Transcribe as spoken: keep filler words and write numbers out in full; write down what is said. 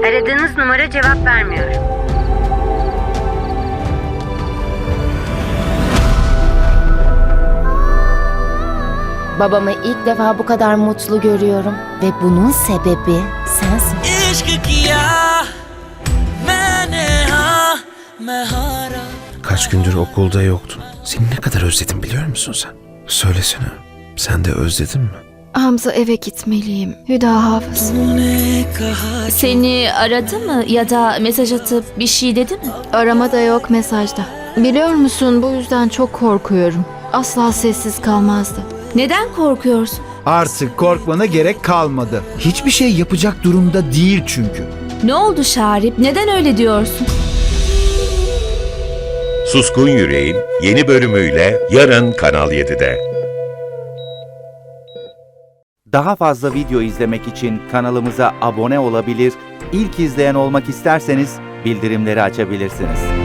Aradığınız numara cevap vermiyor. Babamı ilk defa bu kadar mutlu görüyorum ve bunun sebebi sensin. Kaç gündür okulda yoktun. Seni ne kadar özledim biliyor musun sen? Söylesene. Sen de özledin mi? Hamza, eve gitmeliyim. Hüda Hafız. Seni aradı mı ya da mesaj atıp bir şey dedi mi? Arama da yok, mesajda. Biliyor musun, bu yüzden çok korkuyorum. Asla sessiz kalmazdı. Neden korkuyorsun? Artık korkmana gerek kalmadı. Hiçbir şey yapacak durumda değil çünkü. Ne oldu Şarip? Neden öyle diyorsun? Suskun Yüreğin yeni bölümüyle yarın Kanal yedide. Daha fazla video izlemek için kanalımıza abone olabilir, ilk izleyen olmak isterseniz bildirimleri açabilirsiniz.